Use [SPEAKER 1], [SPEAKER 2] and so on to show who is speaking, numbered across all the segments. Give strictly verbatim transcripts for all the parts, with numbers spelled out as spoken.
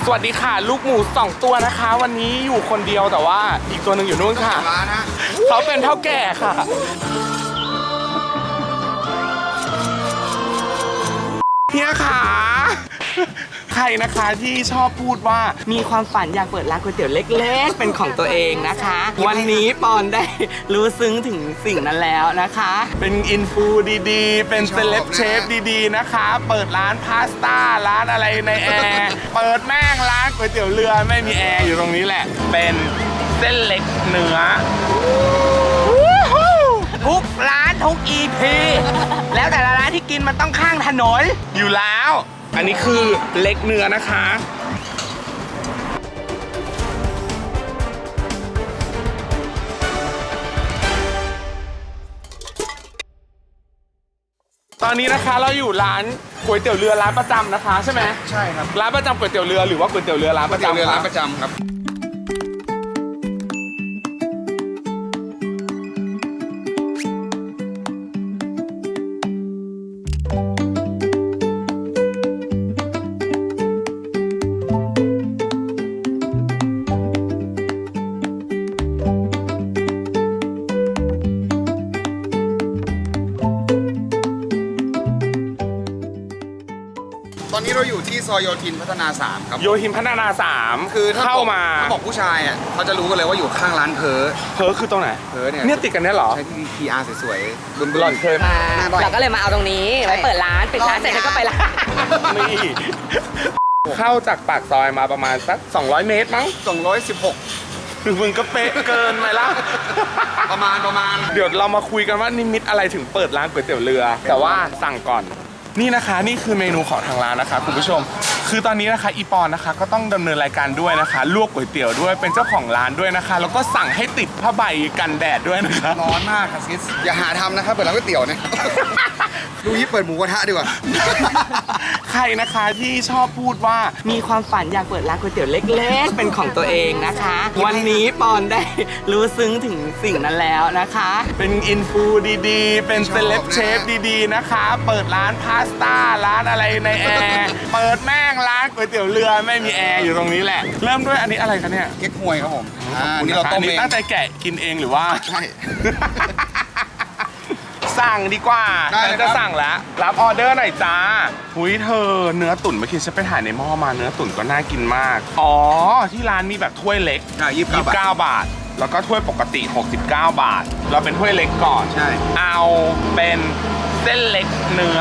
[SPEAKER 1] สวัสดีค่ะลูกหมูสองตัวนะคะวันนี้อยู่คนเดียวแต่ว่าอีกตัวหนึ่งอยู่นู่นค่ะเขาเป็นเท่าแก่ค่ะเฮียขาใครนะคะที่ชอบพูดว่ามีความฝันอยากเปิดร้านก๋วยเตี๋ยวเล็กๆเป็นของตัวเองนะคะวันนี้ปอนได้รู้ซึ้งถึงสิ่งนั้นแล้วนะคะเป็นอินฟูดีๆเป็นเซเลบเชฟดีๆนะคะเปิดร้านพาสต้าร้านอะไรในแอร์เปิดแม่งร้านก๋วยเตี๋ยวเรือไม่มีแอร์อยู่ตรงนี้แหละเป็นเส้นเล็กเนื้อทุกร้านทุก อี พี แล้วแต่ละร้านที่กินมันต้องข้างถนนอยู่แล้วอันนี้คือเล็กเนื้อนะคะตอนนี้นะคะเราอยู่ร้านก๋วยเตี๋ยวเรือร้านประจำนะคะใช่ไหม
[SPEAKER 2] ใช่ครับ
[SPEAKER 1] ร้านประจำก๋วยเตี๋ยวเรือหรือว่าก๋วยเตี๋ยวเรือร้านประจำ
[SPEAKER 2] เรือร้านประจำครับตอนนี้เราอยู่ที่ซอยโยธินพัฒนาสามครับ
[SPEAKER 1] โยธินพัฒนาสาม
[SPEAKER 2] คือ
[SPEAKER 1] เข้ามา
[SPEAKER 2] ถ้าบอกผู้ชายอ่ะเขาจะรู้กันเลยว่าอยู่ข้างร้านเพอ
[SPEAKER 1] เพอคือตรงไหน
[SPEAKER 2] เพอเนี่ย
[SPEAKER 1] เนี่ยติดกันเนี่ยหรอ
[SPEAKER 2] ใช้ที่ พี อาร์ สวยๆรุ่นๆ
[SPEAKER 1] หล่อนเคย
[SPEAKER 3] มาเราก็เลยมาเอาตรงนี้ไว้เปิดร้านปิดร้านเสร็จแล้วก็ไปร้าน
[SPEAKER 1] นี่เข้าจากปากซอยมาประมาณสักสองร้อยเมตรมั้ง
[SPEAKER 2] สองร้อยสิบหก
[SPEAKER 1] คือมึงก็เป๊ะเกินไปละ
[SPEAKER 2] ประมาณประมาณ
[SPEAKER 1] เดี๋ยวเรามาคุยกันว่านิมิตอะไรถึงเปิดร้านก๋วยเตี๋ยวเรือแต่ว่าสั่งก่อนนี่นะคะนี่คือเมนูของทางร้านนะคะคุณผู้ชมคือตอนนี้นะคะอีปอนนะคะก็ต้องดำเนินรายการด้วยนะคะลวกก๋วยเตี๋ยวด้วยเป็นเจ้าของร้านด้วยนะคะแล้วก็สั่งให้ติดผ้าใบกันแดดด้วยนะคะ
[SPEAKER 2] ร้อนมากค่ะซิสอย่าหาทำนะครับเปิดร้านก๋วยเตี๋ยวเนี่ยดูยี่เปิดหมูกระทะดีกว่า
[SPEAKER 1] ใครนะคะที่ชอบพูดว่ามีความฝันอยากเปิดร้านก๋วยเตี๋ยวเล็กๆเป็นของตัวเองนะคะวันนี้ปอนได้รู้ซึ้งถึงสิ่งนั้นแล้วนะคะเป็นอินฟูดีๆเป็นเซเลบเชฟดีๆนะคะเปิดร้านพาสต้าร้านอะไรในแอร์เปิดแม่งร้านก๋วยเตี๋ยวเรือไม่มีแอร์อยู่ตรงนี้แหละเริ่มด้วยอันนี้อะไรคะเนี่ย
[SPEAKER 2] เก๊กฮวยครับผม
[SPEAKER 1] อ่านี่เราต้มเองตั้งใจแกะกินเองหรือว่า
[SPEAKER 2] ใช่
[SPEAKER 1] สั่งดีกว่าฉันจะสั่งแล้วรับออเดอร์หน่อยจ้าหุยเธอเนื้อตุ๋นเมื่อกี้ฉันไปถ่ายในหม้อมาเนื้อตุ๋นก็น่ากินมากอ๋อที่ร้านมีแบบถ้วยเล็ก
[SPEAKER 2] ยี่สิบเก้า
[SPEAKER 1] บาทแล้วก็ถ้วยปกติหกสิบเก้าบาทเราเป็นถ้วยเล็กก่อน
[SPEAKER 2] ใช่
[SPEAKER 1] เอาเป็นเส้นเล็กเนื้อ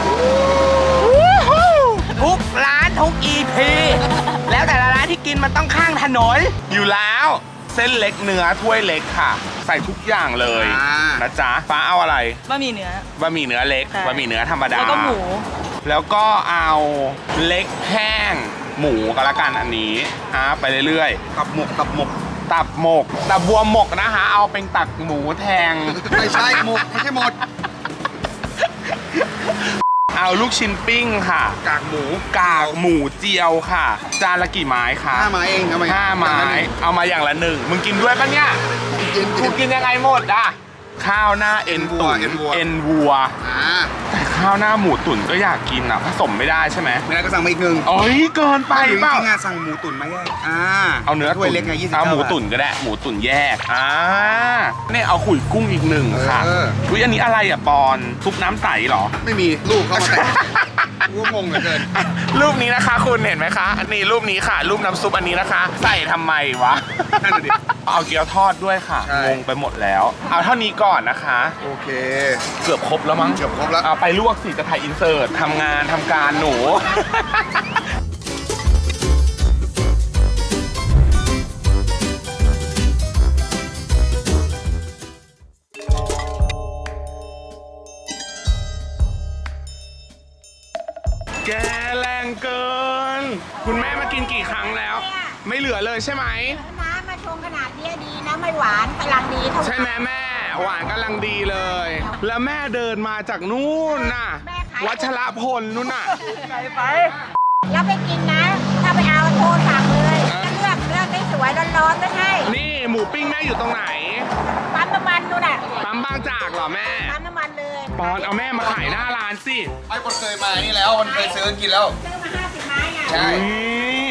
[SPEAKER 1] ทุกร้านทุก อี พี แล้วแต่ละร้านที่กินมันต้องข้างถนนอยู่แล้วเส้นเล็กเนื้อถ้วยเล็กค่ะใส่ทุกอย่างเลยนะจ๊ะฟ้าเอาอะไร
[SPEAKER 3] บะหมี่เนื้อบ
[SPEAKER 1] ะหมี่เนื้อเล็กบะหมี่เนื้อธรรมดา
[SPEAKER 3] แล้วก็หมู
[SPEAKER 1] แล้วก็เอาเล็กแห้งหมูก็แล้วกันอันนี้อ่ะไปเรื่อย
[SPEAKER 2] ๆตับหมกตับหมก
[SPEAKER 1] ตับหมกตับบัวหมกนะคะเอาเป็นตักหมูแทง
[SPEAKER 2] ไม่ใช่หมกไม่ใช่หมด
[SPEAKER 1] เอาลูกชิ้นปิ้งค่ะ
[SPEAKER 2] กากหมู
[SPEAKER 1] กากหมูเจียวค่ะจานละกี่ไม้คะ
[SPEAKER 2] ห้าไม้เองเอามา
[SPEAKER 1] ห้าไม้เอามาอย่างละหนึ่งมึงกินด้วยปะเนี่ยกูกินยังไงหมดอ่ะข้าวหน้าเอ็นตุ๋นเอ็นวัวแต่ข้าวหน้าหมูตุ๋นก็อยากกินอ่ะผสมไม่ได้ใช่ไหม
[SPEAKER 2] ไม่ได้ก็สั่งมาอีกหนึ่ง
[SPEAKER 1] โอ้ยเกินไป
[SPEAKER 2] เปล่าจริงๆสั่งหมูตุ๋นมาแยกอ่า
[SPEAKER 1] เอาเนื้อ
[SPEAKER 2] ถ้วยเล็กไงยี่สิบ
[SPEAKER 1] เอาหมูตุ๋นก็ได้หมูตุ๋นแยกอ่าเนี่ยเอาขุยกุ้งอีกหนึ่งค่ะอุ้ยอันนี้อะไรอ่ะปอนซุปน้ำใสหรอ
[SPEAKER 2] ไม่มีลูกเข้ามาแต่กูงงเหลือเกิน
[SPEAKER 1] รูปนี้นะคะคุณเห็นไหมคะนี่รูปนี้ค่ะรูปน้ำซุปอันนี้นะคะใส่ทำไมวะ
[SPEAKER 2] นั่นดิ
[SPEAKER 1] เอาเกี๊ยวทอดด้วยค่ะงงไปหมดแล้วเอาเท่านี้ก่อนนะคะ
[SPEAKER 2] โอเค
[SPEAKER 1] เกือบครบแล้วมั้ง
[SPEAKER 2] เกือบครบแล้ว
[SPEAKER 1] เอาไปลวกสิจะถ่ายอินเสิร์ตทำงานทำการหนูแกแรงเกินคุณแม่มากินกี่ครั้งแล้วไม่เหลือเลยใช่ไหม
[SPEAKER 4] น้ำมาชงขนาดนี้ดีนะไม่หวานกำลังดีเท่าไหร่
[SPEAKER 1] ใช่ไหมแม่หวานกำลังดีเลยแล้วแม่เดินมาจากนู่นน่ะวัชรพลนู่นน่ะ
[SPEAKER 4] ไปไปแล้วไปกินนะถ้าไปเอาโทรสั่งเลยเลือกเลือกได้สวยร้อนๆไม่ใช่
[SPEAKER 1] นี่หมูปิ้งแม่อยู่ตรงไหน
[SPEAKER 4] ปั๊มน้ำมันนู่นน่ะ
[SPEAKER 1] ปั๊มบางจากเหรอแม่
[SPEAKER 4] ปั๊มน้ำมันเลย
[SPEAKER 1] ปอนเอาแม่มาขายหน้าร้านสิ
[SPEAKER 2] ไอ้คนเคยมานี่แล้วคนเคยซื้อกินแล้ว
[SPEAKER 4] ซื้อมาห้าสิบไม้ไง
[SPEAKER 2] ใช่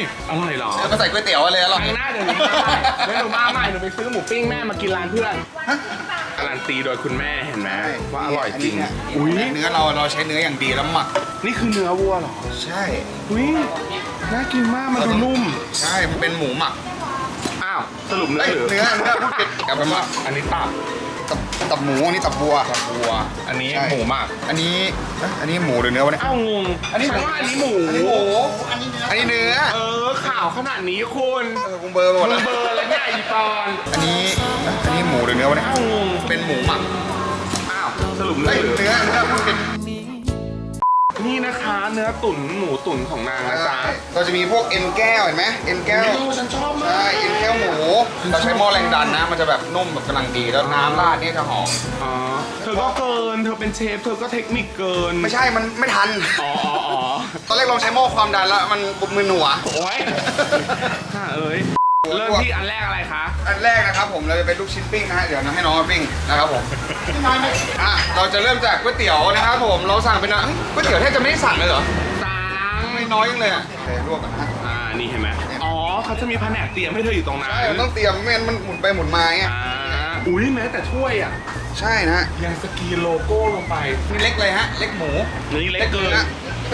[SPEAKER 1] อร่อยเหรอ
[SPEAKER 2] แล้วก็ใส่ก๋วยเตี๋ยวเลยอร่อย
[SPEAKER 1] ครั้งหน้าเดี๋ยวหนูมาใหม่เดี๋ยวหนูมาใหม่หนูไปซื้อหมูปิ้งแม่มากินร้านเพื่อนการันตีโดยคุณแม่เห็นไหมว่าอร่อยจริง
[SPEAKER 2] เนี่ย
[SPEAKER 1] อุ้ย
[SPEAKER 2] เนื้อเราเราใช้เนื้ออย่างดีแล้วหมัก
[SPEAKER 1] นี่คือเนื้อวัวเหรอ
[SPEAKER 2] ใช่
[SPEAKER 1] อุ้ยน่ากินมากมันดูนุ่ม
[SPEAKER 2] ใช่มันเป็นหมูหมัก
[SPEAKER 1] อ้าวสรุปเนื้อ
[SPEAKER 2] เอ้ย
[SPEAKER 1] หรือ
[SPEAKER 2] เนื้อเนื้อพูดผิดกลับไปว่า
[SPEAKER 1] อันนี้ตับ
[SPEAKER 2] ตับตับหมูอันนี้ตับวัว
[SPEAKER 1] วัว อันนี้
[SPEAKER 2] ใช่
[SPEAKER 1] หมูหมัก
[SPEAKER 2] อันนี้เอ๊ะอันนี้หมูหรือเนื้อวะเนี่ย
[SPEAKER 1] อ้าวงง
[SPEAKER 2] อันนี้หมู
[SPEAKER 1] ฉัว่าอันนี้หมู
[SPEAKER 2] อันนี้หมูอันนี้เนื้อ
[SPEAKER 1] เออข่าวขนาดนี้คุณ
[SPEAKER 2] เออกูเบอร์ไปหมด
[SPEAKER 1] มึ
[SPEAKER 2] แล้ว
[SPEAKER 1] งเบอร์แล้วเนี่ยอีปอน
[SPEAKER 2] อันนี้เอ๊ะอันนี้หมูหรือเนื้อวะเนี่ย
[SPEAKER 1] อ้าวงง
[SPEAKER 2] เป็นหมูหมัก
[SPEAKER 1] อ้าวสรุปเนื้
[SPEAKER 2] เอ้
[SPEAKER 1] อย หรือ
[SPEAKER 2] เนื้อเนื้อพูดผิด
[SPEAKER 1] นี่นะคะเนื้อตุ๋นหมูตุ๋นของนางนะจ๊ะ
[SPEAKER 2] เราจะมีพวกเอ็นแก้วเห็นไหมเอ็นแก้ว
[SPEAKER 1] โอ้ฉันชอบมา
[SPEAKER 2] ใช่
[SPEAKER 1] ก
[SPEAKER 2] เอ็นแก้วหมู เราใช้หม้อแรงดันนะ มันจะแบบนุ่มแบบกำลังดี แล้วน้ำราดนี่จะหอม
[SPEAKER 1] อ๋อเธอก็เกิน เธอเป็นเชฟ เธอก็เทคนิคเกิน
[SPEAKER 2] ไม่ใช่ มันไม่ทัน
[SPEAKER 1] อ๋ออ๋ออ๋อ
[SPEAKER 2] ตอนแรกลองใช้หม้อความดันแล้ว มันบุบมือหนัว
[SPEAKER 1] โอ้ยฮ่าเอ้ย เริ่มที่อันแรกอะไรคะ
[SPEAKER 2] อันแรกนะครับผมเราจะเป็นลูกชิ้นปิ้งนะฮะ เดี๋ยวนะให้น้องมาปิ้งนะครับผมอ่ะเราจะเริ่มจากก๋วยเตี๋ยวนะครับผม เราสั่งเป็นอะเฮ้ยก๋วยเตี๋ยวแทบจะไม่ได้สั่งเลยเหรอ
[SPEAKER 1] ตัง
[SPEAKER 2] ไม่น้อยยังเลยอ่ะโอเคลวกกันนะฮะ
[SPEAKER 1] อ่า นี่เห็นไหมอ๋อ เขาจะมีแผนกเตรียมให้เธออยู่ตรงนั้น
[SPEAKER 2] ใช่มันต้องเตรียมไม่งั้นมันหมุนไปหมุนมาไง
[SPEAKER 1] อ่า อุ้ยแม้แต่ถ้วยอ่ะ
[SPEAKER 2] ใช่นะฮะ
[SPEAKER 1] ยังสกรีนโลโก้ลงไป
[SPEAKER 2] นี่เล็กเลยฮะ เล็กหมู
[SPEAKER 1] นี่เล็กเกิน
[SPEAKER 2] นะ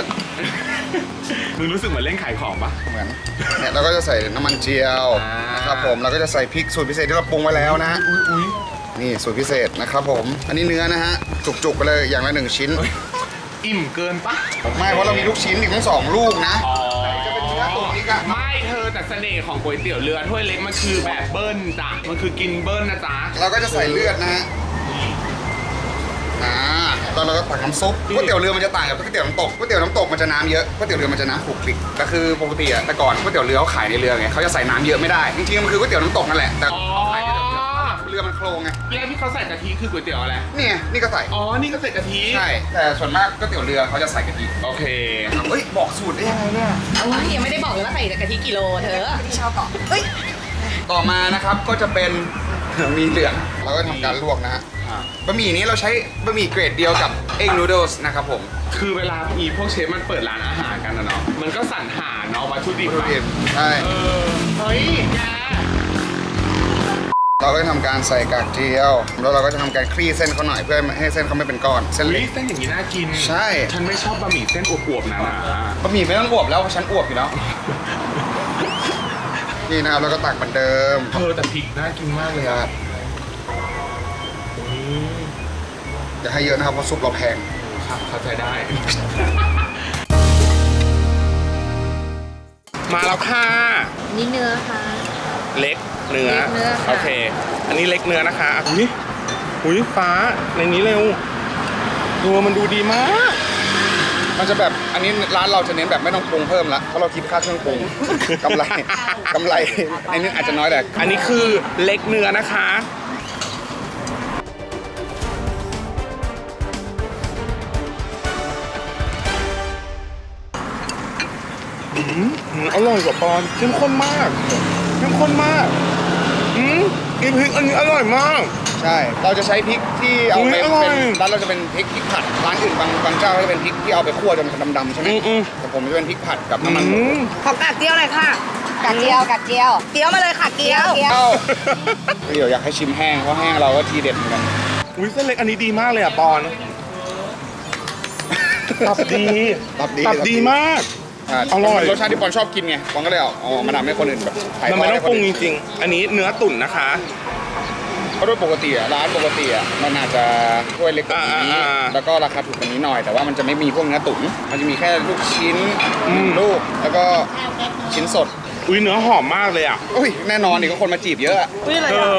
[SPEAKER 1] มึงรู้สึกเหมือนเล่นขายของปะ
[SPEAKER 2] เหมือนเนี่ยเราก็จะใส่น้ำมันเจียว
[SPEAKER 1] อ่าน
[SPEAKER 2] นะครับผมเราก็จะใส่พริกสูตรพิเศษที่เราปรุงไว้แล้วนะฮะ
[SPEAKER 1] อุ้ยอุ้ย
[SPEAKER 2] นี่สูตรพิเศษนะครับผมอันนี้เนื้อนะฮะจุกๆไปเลยอย่างละหนึ่งชิ้น
[SPEAKER 1] อิ่มเกินปะ
[SPEAKER 2] ไม่เพราะเรามีลูกชิ้นอีกทั้งสองลูกนะ
[SPEAKER 1] อ๋อ
[SPEAKER 2] จะเป็นเนื้อตุ๋นอีกอะ
[SPEAKER 1] ไม่เธอแต่เสน่ห์ของก๋วยเตี๋ยวเรือถ้วยเล็กมันคือแบบเบิ้ลจ้ะ มันคือกินเบิ้ลนะจ๊ะ
[SPEAKER 2] เราก็จะใส่เลือดนะฮะอ่าแล้วเราก็ตักน้ำซุปก๋วยเตี๋ยวเรือมันจะต่างกับก๋วยเตี๋ยวน้ำตกก๋วยเตี๋ยวน้ำตกมันจะน้ำเยอะก๋วยเตี๋ยวเรือมันจะน้ำขลุกคลิกแต่คือปกติอะแต่ก่อนก๋วยเตี๋ยวเรือเขาขายในเรือไงเขาจะใส่น้ำเยอะไม่ได้จริงๆมันคือก๋วยเตี๋ยวน้ำตกนั่นแหละแต่
[SPEAKER 1] อ๋อ
[SPEAKER 2] เขาขายในเรือเรือมันโครงไง
[SPEAKER 1] แล้วที่เขาใส่กะทิคือก๋วยเตี๋ยวอะไร
[SPEAKER 2] เนี่ยนี่ก็ใส่
[SPEAKER 1] อ๋อ นี่ก็ใส่กะทิ
[SPEAKER 2] ใช่แต่ส่วนมากก๋วยเตี๋ยวเรือเขาจะใส่กะทิ
[SPEAKER 1] โอเค
[SPEAKER 2] เฮ้ยบอกสูตรได้ยังไงเนี่ย
[SPEAKER 3] เอาวะยังไม่ได้บอกเลยว่าใส่กะทิกิโลเธอ
[SPEAKER 2] ต่อมานะครับก็จะเป็น หมีเหลืองเราก็ทำการลวกนะฮะ
[SPEAKER 1] อ่า
[SPEAKER 2] บะหมี่นี้เราใช้บะหมี่เกรดเดียวกับเอ็กนูโดสนะครับผม
[SPEAKER 1] คือเวลามีพวกเชฟมันเปิดร้านอาหารกันนะเนาะ มันก็สรรหาเนาะวัตถุดิบ
[SPEAKER 2] วัตถุ
[SPEAKER 1] อะ
[SPEAKER 2] ดิบใช่
[SPEAKER 1] เออ เฮ้ยแก
[SPEAKER 2] เราก็จะทำการใส่กากเจียว แล้วเราก็จะทำการคลี่เส้นเขาหน่อยเพื่อให้เส้นเขาไม่เป็นก้อนเส้น
[SPEAKER 1] อุ๊
[SPEAKER 2] เล็
[SPEAKER 1] ย
[SPEAKER 2] ก
[SPEAKER 1] เส้นอย่างนี้น่ากิน
[SPEAKER 2] ใช่
[SPEAKER 1] ฉันไม่ชอบบะหมี่เส้นอวบๆนะนะ
[SPEAKER 2] บะหมี่ไม่ต้องอวบแล้วเพราะฉันอวบอยู่แล้ว นี่นะครับแล้วก็ตักเหมือนเดิม
[SPEAKER 1] เธอแต่พริกน่ากินมากเลยอะอืม
[SPEAKER 2] อย่าให้เยอะนะครับเพราะซุปเราแพง
[SPEAKER 1] ครับเข้าใจได้ มาแล้วค่ะ
[SPEAKER 3] นี่เนื้อค่ะ
[SPEAKER 1] เล็กเนื้อ
[SPEAKER 3] เล็กเนื้อค่ะ
[SPEAKER 1] โอเค อันนี้เล็กเนื้อนะคะอุ้ยอุ้ยฟ้าในนี้เร็วตัวมันดูดีมาก
[SPEAKER 2] มันจะแบบอันนี้ร้านเราจะเน้นแบบไม่ต้องปรุงเพิ่มละเพราะเราคิดค่าเครื่องปรุง กำไรกำไรในนี้อาจจะน้อยแต่
[SPEAKER 1] อันนี้คือเล็กเนื้อนะคะ อืมอืมอร่อยกว่าปอนเข้มข้นมากเข้มข้นมากอืมกินพริกอันนี้อร่อยมาก
[SPEAKER 2] ใช่ เราจะใช้พริกที่เอาไป
[SPEAKER 1] อุ๊ยอร่อย
[SPEAKER 2] เป็นร้านเราจะเป็นพริกพริกผัด ร้านอื่นบางบางเจ้าก็จะเป็นพริกที่เอาไปคั่วจนดำๆใช่ไหม
[SPEAKER 1] อืมอืม
[SPEAKER 2] แต่ผมจะเป็นพริกผัดกับน้ำมันหมู
[SPEAKER 1] อืม
[SPEAKER 3] ขอกากเจียวหน่อยค่ะ
[SPEAKER 4] กากเจียวกากเจียว
[SPEAKER 3] เจียวมาเลยค่ะเกี๊ยว
[SPEAKER 4] เกี๊ยว
[SPEAKER 2] เอ้าเดี๋ยวอยากให้ชิมแห้งเพราะแห้งเราก็ทีเด็ดเหมือนกัน
[SPEAKER 1] อุ้ยเส้นเล็กอันนี้ดีมากเลยอ่ะปอนตับดี
[SPEAKER 2] ตับดี
[SPEAKER 1] ตับดีมาก
[SPEAKER 2] อ่า
[SPEAKER 1] อร่อย
[SPEAKER 2] รสชาติที่ปอนชอบกินไงปอนก็เลยเอาเอามาทำให้คนอื่นแบบถ่าย
[SPEAKER 1] มัน
[SPEAKER 2] ทอ
[SPEAKER 1] ไม่
[SPEAKER 2] ด
[SPEAKER 1] ต้อ
[SPEAKER 2] ให้
[SPEAKER 1] ง
[SPEAKER 2] ค
[SPEAKER 1] ปรุ
[SPEAKER 2] น
[SPEAKER 1] ง
[SPEAKER 2] อื่น
[SPEAKER 1] จริงๆ อันนี้เนื้อตุ๋นนะคะ
[SPEAKER 2] เพราะโดยปกติอะร้านปกติอะมันอาจจะถ้วยเล็กกว่านี้
[SPEAKER 1] อ่าอ่า
[SPEAKER 2] แล้วก็ราคาถูกกว่านี้หน่อย แต่ว่ามันจะไม่มีพวกเนื้อตุ๋นมันจะมีแค่ลูกชิ้น
[SPEAKER 1] อืม
[SPEAKER 2] ลูกแล้วก็ชิ้นสด
[SPEAKER 1] อุ้ยเนื้อหอมมากเลยอ่ะ
[SPEAKER 2] อุ้ยแน่นอนนี่ก็คนมาจีบเยอะอะ
[SPEAKER 3] อุ้ยอะไร
[SPEAKER 1] เธ
[SPEAKER 3] อ่ะ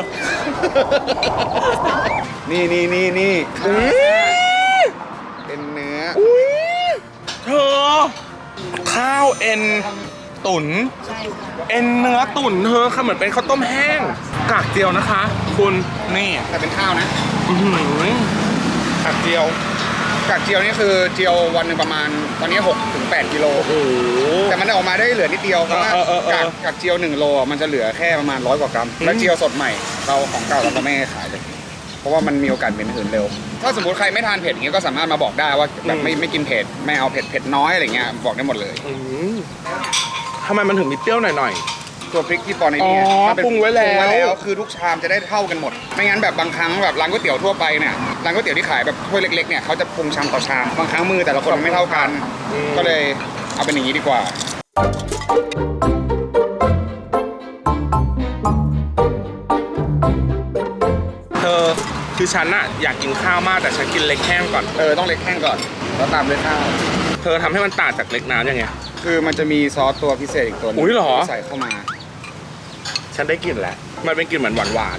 [SPEAKER 1] อ
[SPEAKER 2] นี่นี่นี่นี่
[SPEAKER 1] อุ้ย
[SPEAKER 2] เป็นเนื้อ
[SPEAKER 1] อุ้ยเธอ ข้าวเอ็นตุ๋นเอ็นเนื้อตุ๋นเธอค่ะเหมือนเป็นข้าวต้มแห้ง กากเจียวนะคะ คุณนี่
[SPEAKER 2] แต่เป็นข้าวนะ
[SPEAKER 1] อื้อหือกากเจียว
[SPEAKER 2] กากเจียวนี่คือเจียววันหนึ่งประมาณตอนนี้หกถึงแปดกิโล
[SPEAKER 1] โอ้โห
[SPEAKER 2] แต่มันออกมาได้เหลือนิดเดียวเพราะว่า
[SPEAKER 1] เออเออเออ
[SPEAKER 2] กากกากเจียวหนึ่งโลอะมันจะเหลือแค่ประมาณร้อยกว่ากรัม และเจียวสดใหม่เราของเก่าเราก็ไม่ให้ขายเลย เพราะว่ามันมีโอกาสเป็นหืนเร็ว ถ้าสมมติใครไม่ทานเผ็ดอย่างเงี้ยก็สามารถมาบอกได้ว่าแบบไม่ไม่กินเผ็ดไม่เอาเผ็ดเผ็ดน้อยอะไรเงี้ยบอกได้หมดเลย
[SPEAKER 1] อืมทำไมมันถึงมีเปรี้ยวหน่อย
[SPEAKER 2] ตัวพริกที่ปอนในนี้
[SPEAKER 1] อ๋อ
[SPEAKER 2] ถ้าเป็น
[SPEAKER 1] ปรุงไว้แล้ว
[SPEAKER 2] ปรุงไว้แล้วคือทุกชามจะได้เท่ากันหมด ไม่งั้นแบบบางครั้งแบบร้านก๋วยเตี๋ยวทั่วไปเนี่ยร้านก๋วยเตี๋ยวที่ขายแบบถ้วยเล็กๆเนี่ยเขาจะปรุงชามต่อชามบางครั้งมือแต่ละคนมันไม่เท่ากัน ก็เลยเอาเป็นอย่างนี้ดีกว่า
[SPEAKER 1] ๆ เธอคือฉันอะอยากกินข้าวมากแต่ฉันกินเล็กแห้งก่อน
[SPEAKER 2] เออต้องเล็กแห้งก่อนแล้วตามด้วยข้าว
[SPEAKER 1] เธอทำให้มันต่างจากเล็กน้ำยังไง
[SPEAKER 2] คือมันจะมีซอสตัวพิเศษอีกตัวหนึง
[SPEAKER 1] อุ๊ยเหรอ
[SPEAKER 2] ที่ใส่เข้ามา
[SPEAKER 1] ฉันได้กลิ่นแล้วมันเป็นกลิ่นเหมือนหวาน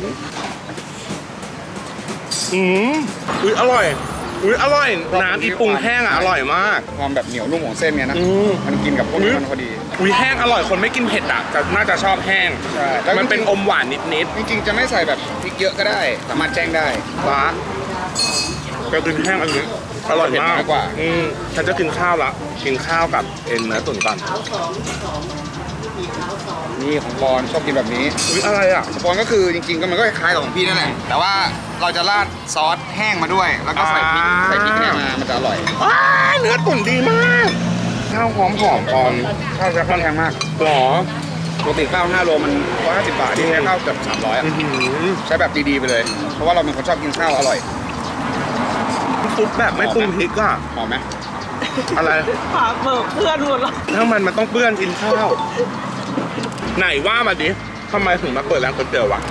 [SPEAKER 1] ๆอืมอุ้ยอร่อยอุ้ยอร่อยน้ำอีปรุงแห้งอะอร่อยมาก
[SPEAKER 2] ความแบบเหนียวนุ่มของเส้นเนี่ยนะ
[SPEAKER 1] อืม
[SPEAKER 2] มันกินกับพวกนี้มันพอดี
[SPEAKER 1] อุ้ยแห้งอร่อยคนไม่กินเผ็ดอะจะน่าจะชอบแห้ง
[SPEAKER 2] ใช่แล้ว
[SPEAKER 1] มันเป็นอมหวานนิด
[SPEAKER 2] จริงๆจะไม่ใส่แบบพริกเยอะก็ได้สามารถแจ้งได้
[SPEAKER 1] ๆฟ้าก็กินแห้งอันนี้อร่อยมาก
[SPEAKER 2] เผ็ดน้อยกว่า
[SPEAKER 1] อืมฉันจะกินข้าวละกินข้าวกับเอ็นเนื้อตุ๋นก่อน
[SPEAKER 2] นี่ของปอนชอบกินแบบนี้
[SPEAKER 1] อุ้ยอะไรอะ
[SPEAKER 2] สปอนก็คือจริงๆก็มันก็คล้ายๆกับของพี่นั่นแหละแต่ว่าเราจะราดซอสแห้งมาด้วย แล้วก็ใส่พริก
[SPEAKER 1] อ่า
[SPEAKER 2] ใส่พริกเนี่ยมามันจะอร่อย
[SPEAKER 1] ว้ายเนื้อตุ๋นดีมากข้าวหอมหอมๆปอน
[SPEAKER 2] ข้าวจะค่อนข้างมาก
[SPEAKER 1] หรอ
[SPEAKER 2] ปกติข้าวห้าโลมันหนึ่งร้อยห้าสิบบาทที่ใช้ข้าวเกือบสามร้อยอ่ะ
[SPEAKER 1] อื้อหือ
[SPEAKER 2] ใช้แบบดีๆไปเลย เพราะว่าเราเป็นคนชอบกินข้าวอร่อย
[SPEAKER 1] ซุปแบบไม่ปรุงพริกอะ
[SPEAKER 2] หอมไหม
[SPEAKER 1] อะไร
[SPEAKER 3] หาเบิกเพื่อนหมดแล้ว
[SPEAKER 1] ถ้ามันมันต้องเปื้อนกินข้าว ไหนว่ามาดิทำไมถึงมาเปิดร้านก๋วยเตี๋ยววะ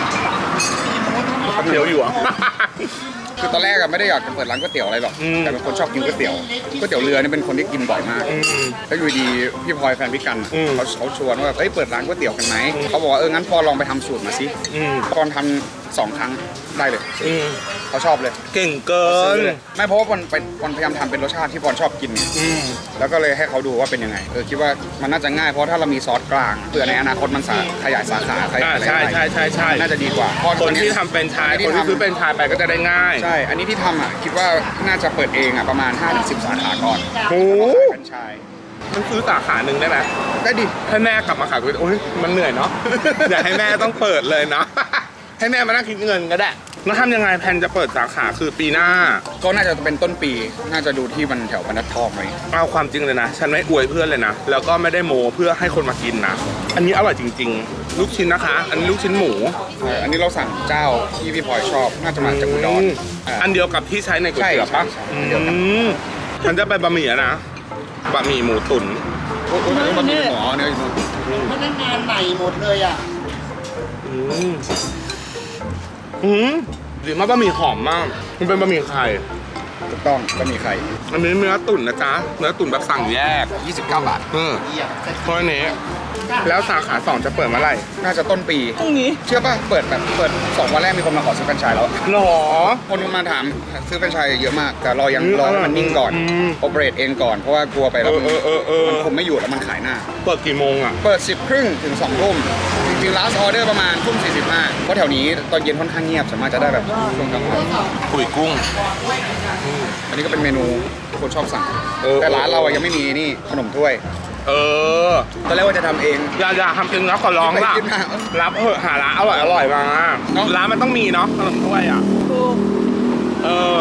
[SPEAKER 1] เตี๋ยวอยู่อ่ะ
[SPEAKER 2] คือตอนแรกอะไม่ได้อยากจะเปิดร้านก๋วยเตี๋ยวอะไรหรอก
[SPEAKER 1] อืม
[SPEAKER 2] แต่เป็นคนชอบกินก๋วยเตี๋ยวก๋วยเตี๋ยวเรือนี่เป็นคนที่กินบ่อยมาก
[SPEAKER 1] อืม
[SPEAKER 2] แล้วอยู่ดีพี่พลอยแฟนพี่กัน
[SPEAKER 1] อืม
[SPEAKER 2] เขาเขาชวนว่าแบบเอ้ยเปิดร้านก๋วยเตี๋ยวกันไหมเขาบอกว่าเอองั้นพอลองไปทำสูตรมาสิ
[SPEAKER 1] อืม
[SPEAKER 2] พอทำสองครั้งได้เลย
[SPEAKER 1] อืม
[SPEAKER 2] เขาชอบเลย
[SPEAKER 1] เก่งเกิ
[SPEAKER 2] ซื้อน เลยไม่เพราะว่าปอนไปปอนพยายามทำเป็นรสชาติที่ปอนชอบกินไง
[SPEAKER 1] อืม
[SPEAKER 2] แล้วก็เลยให้เขาดูว่าเป็นยังไงเออคิดว่ามันน่าจะง่ายเพราะถ้าเรามีซอสกลางเผื่อในอนาคตมันสาขยายสาขาขยา
[SPEAKER 1] อ่าย
[SPEAKER 2] อะไร
[SPEAKER 1] ใช่
[SPEAKER 2] ได้
[SPEAKER 1] ใช่ใช่ใช่
[SPEAKER 2] น่าจะดีกว่าเพราะ
[SPEAKER 1] คน
[SPEAKER 2] อั
[SPEAKER 1] ที่ทำเป็นชายคนที่ซื้อเป็นชายไปก็จะได้ง่าย
[SPEAKER 2] ใช่ อันนี้ที่ทำอ่ะคิดว่าน่าจะเปิดเองอ่ะประมาณ ห้าถึงสิบ สาขาก่อน
[SPEAKER 1] โอ้
[SPEAKER 2] ขายเป็นชาย
[SPEAKER 1] มันซื้อสาขาหนึ่งได้ไหม
[SPEAKER 2] ได้ดิ
[SPEAKER 1] ให้แม่กลับมาขายก๋วยเตี๋ยวโอ้ยมันเหนื่อยเนาะ อยากให้แม่ต้องเปิดเลยเนาะ ให้แม่มานั่งคิดเงินก็ได้แล้วทำยังไงแพนจะเปิดสาขาคือปีหน้า
[SPEAKER 2] ก็น่าจะเป็นต้นปี น่าจะดูที่มันแถวบรรทัดทองไหม
[SPEAKER 1] เอาความจริงเลยนะ ฉันไม่อวยเพื่อนเลยนะ แล้วก็ไม่ได้โมเพื่อให้คนมากินนะ อันนี้อร่อยจริง ๆ ลูกชิ้นนะคะ อันนี้ลูกชิ้นหมู
[SPEAKER 2] เอออันนี้เราสั่งเจ้าที่พี่พลอยชอบ น่าจะมาจากอุดร
[SPEAKER 1] ม
[SPEAKER 2] อ่า
[SPEAKER 1] อันเดียวกับที่ใช้ในก๋วยเตี๋ยวปะ
[SPEAKER 2] ใช่
[SPEAKER 1] อื
[SPEAKER 2] ใช่ใช่อันเดียวกัน
[SPEAKER 1] มฉันจะไปบะหมี่อะนะ บะหมี่หมูตุ๋น
[SPEAKER 2] โอ้โหมันมีหมอเนื้ออยู่นู่น
[SPEAKER 5] พนักงานใหม่หมดเลยอ่ะ
[SPEAKER 1] อืมอืมดีมากบะหมี่หอมมาก มันเป็นบะหมี่ไข่
[SPEAKER 2] ถูกต้องก็มีไข่
[SPEAKER 1] อันนี้เนื้อตุ๋นนะจ๊ะ เนื้อตุ๋นแบบสั่งแยก
[SPEAKER 2] ยี่สิบเก้าบาท
[SPEAKER 1] เออเพราะอันนี้ แล้วสาขาสองจะเปิดเมื่อไหร่
[SPEAKER 2] น่าจะต้นปี
[SPEAKER 3] พรุ่งนี้
[SPEAKER 2] เชื่อป่ะ เปิดแบบเปิดสองวันแรกมีคนมาขอซื้อแฟรนไชส์แล้ว
[SPEAKER 1] หรอ
[SPEAKER 2] คนมาถามซื้อแฟรนไชส์เยอะมาก แต่เรายัง
[SPEAKER 1] อืม
[SPEAKER 2] รอให้มันนิ่งก่อน
[SPEAKER 1] อืม
[SPEAKER 2] โอเปเรตเองก่อน เพราะว่ากลัวไป
[SPEAKER 1] เอ
[SPEAKER 2] แล้ว
[SPEAKER 1] อ
[SPEAKER 2] มัน
[SPEAKER 1] เออเออเออ
[SPEAKER 2] มันคุมไม่อยู่แล้วมันขายหน้า
[SPEAKER 1] เปิดกี่โมงอ่ะ
[SPEAKER 2] เปิดสิบครึ่งถึงสองทุ่มจริงๆ last order ประมาณทุ่มสี่สิบห้าเพราะแถวนี้ตอนเย็นค่อนข้างเงียบสามารถจะได้แบบช่วงกลางวัน
[SPEAKER 1] ปุ๋ยกุ้ง
[SPEAKER 2] อันนี้ก็เป็นเมนูที่คนชอบสั่ง
[SPEAKER 1] เออ
[SPEAKER 2] แต่ร้านเราอะยังไม่มีนี่ขนมถ้วย
[SPEAKER 1] เออ
[SPEAKER 2] ตอนแรกว่าจะทำเอง
[SPEAKER 1] อย่าอย่าทำจริงนะขอร้องล่ะ
[SPEAKER 2] ไปกินมา
[SPEAKER 1] รับเถอะหาร้านอร่อยอร่อยมา
[SPEAKER 2] เนอะ
[SPEAKER 1] ร้านมันต้องมีเนาะขนมถ้วยอ่ะเออ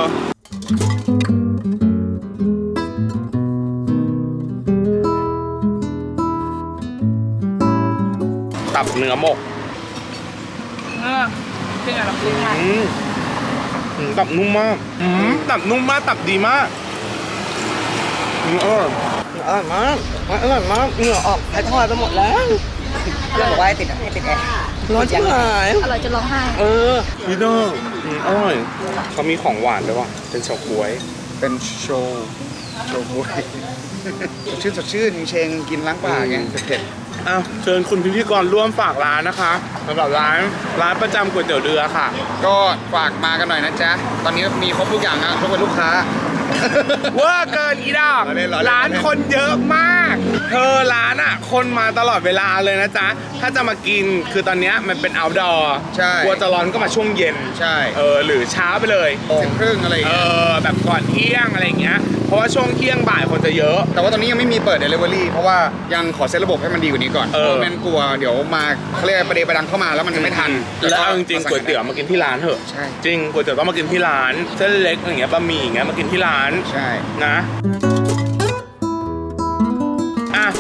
[SPEAKER 1] ตับเนื้อหมก
[SPEAKER 3] เออจริงเหรอจริงค่ะ
[SPEAKER 1] อืมอืมตับนุ่มมากอืมตับนุ่มมากตับดีมากอืมอร่อย
[SPEAKER 3] อร่อยมากอร่อยมากเหงื่อออกไอ้ทอดไปหมดแล้วเพื่อนบอกว่าให้ติดให้ติดแอร์ร้อนจังเลย
[SPEAKER 4] อร่อยจะร้องไห้
[SPEAKER 3] เออ
[SPEAKER 1] พี่น้องอืมอร่อยเขามีของหวานด้วยว่ะเป็นเฉาก๊วย
[SPEAKER 2] เป็นโชว์โชว์บวย สดชื่นสดชื่นเชงๆกินล้างปากไงเผ็ด
[SPEAKER 1] อ้าวเชิญคุณพิธีกรร่วมฝากร้านนะคะสำหรับร้านร้านประจำก๋วยเตี๋ยวเรือค่ะ
[SPEAKER 2] ๆก็ฝากมากันหน่อยนะจ๊ะ ตอนนี้มีครบทุกอย่างนะทุกคนลูกค้า
[SPEAKER 1] เวอร์เกินอีดอก
[SPEAKER 2] ล้อเล่นล้อเล่น
[SPEAKER 1] ร้านคนเยอะมาก เธอร้านอ่ะ คนมาตลอดเวลาเลยนะจ๊ะ ถ้าจะมากินคือตอนเนี้ยมันเป็น outdoor
[SPEAKER 2] ใช่
[SPEAKER 1] กลัวจะร้อนก็มาช่วงเย็น
[SPEAKER 2] ใช่
[SPEAKER 1] เออหรือเช้าไปเลย
[SPEAKER 2] สิบครึ่งอะไรอย่าง
[SPEAKER 1] เอ
[SPEAKER 2] เงี้ย
[SPEAKER 1] อแบบก่อนเที่ยงอะไรอย่างเงี้ย เพราะว่าช่วงเที่ยงบ่ายคนจะเยอะ
[SPEAKER 2] แต่ว่าตอนนี้ยังไม่มีเปิด Delivery เพราะว่ายังขอเซตระบบให้มันดีกว่านี้ก่อน
[SPEAKER 1] เออ
[SPEAKER 2] เพราะแม่นกลัวเดี๋ยวมาเขาเรียกประเดประดังเข้ามาแล้วมันจะไม่ทัน
[SPEAKER 1] แล้วเอาจริงๆก๋วยเตี๋ยวมากินที่ร้านเถอะ
[SPEAKER 2] ใช่
[SPEAKER 1] จริงก๋วยเตี๋ยวต้องมากินที่ร้านเส้นเล็กอย่างเงี้ยบะหมี่อย่างเงี้ยมากินที่ร้าน
[SPEAKER 2] ใช่
[SPEAKER 1] นะอ่ะ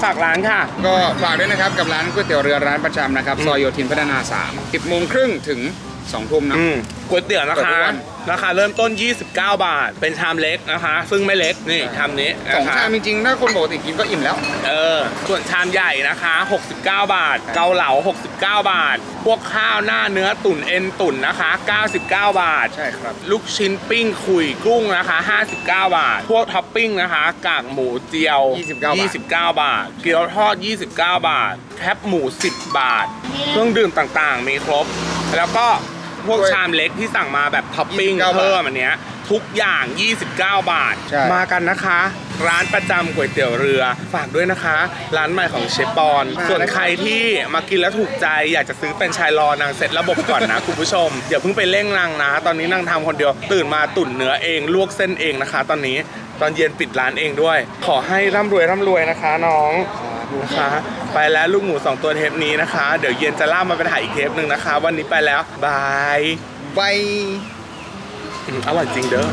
[SPEAKER 1] ฝากร้านค่ะ
[SPEAKER 2] ก็ฝากด้วยนะครับกับร้านก๋วยเตี๋ยวเรือร้านประจำนะครับซอยโยธินพัฒนาสาม สิบโมงครึ่งถึงสองทุ่มนะ
[SPEAKER 1] อืมก๋วยเตี๋ยวนะ
[SPEAKER 2] เปิดทุ
[SPEAKER 1] คะ
[SPEAKER 2] กวัน
[SPEAKER 1] ราคาเริ่มต้น ยี่สิบเก้า บาท เป็นชามเล็กนะคะ ซึ่งไม่เล็กนี่ชามนี้
[SPEAKER 2] สอง
[SPEAKER 1] นะคะ
[SPEAKER 2] ชามจริงๆถ้าคนปกติกินก็อิ่มแล้ว
[SPEAKER 1] เออส่วนชามใหญ่นะคะ หกสิบเก้า บาท เกาเหลา หกสิบเก้า บาท พวกข้าวหน้าเนื้อตุ๋นเอ็นตุ๋นนะคะ เก้าสิบเก้า บาท
[SPEAKER 2] ใช่ครับ
[SPEAKER 1] ลูกชิ้นปิ้งขุยกุ้งนะคะ ห้าสิบเก้า บาท พวกท็อปปิ้งนะคะ กากหมูเจียว
[SPEAKER 2] ยี่สิบเก้าบาท
[SPEAKER 1] ยี่สิบเก้า บาท เกี๊ยวทอด ยี่สิบเก้า บาท แคปหมู สิบ บาท เครื่องดื่มต่างๆ มีครบ แล้วก็พวกชามเล็กที่สั่งมาแบบท็อปปิ้ง
[SPEAKER 2] ยี่สิบเก้า
[SPEAKER 1] เพิ่มอันเนี้ยทุกอย่าง ยี่สิบเก้า บาท
[SPEAKER 2] ใช่
[SPEAKER 1] มากันนะคะ ร้านประจำก๋วยเตี๋ยวเรือ ฝากด้วยนะคะ ร้านใหม่ของเชฟปอน ส่วนใครที่มากินแล้วถูกใจ อยากจะซื้อเป็นไชายรอนางเซ็ตระบบก่อนนะ คุณผู้ชมอย่าเพิ่งไปเร่งนางนะ ตอนนี้นางทำคนเดียว ตื่นมาตุ๋นเนื้อเองลวกเส้นเองนะคะ ตอนนี้ตอนเย็นปิดร้านเองด้วย ขอให้ร่ำรวยร่ำรวยนะคะน้องนะคะไปแล้วลูกหมูสองตัวเทปนี้นะคะ เดี๋ยวเย็นจะล่ามาไปถ่ายอีกเทปหนึ่งนะคะ วันนี้ไปแล้วบาย
[SPEAKER 2] ไป
[SPEAKER 1] อืมอร่อยจริงเด้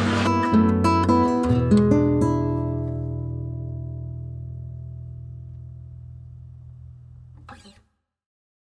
[SPEAKER 1] อ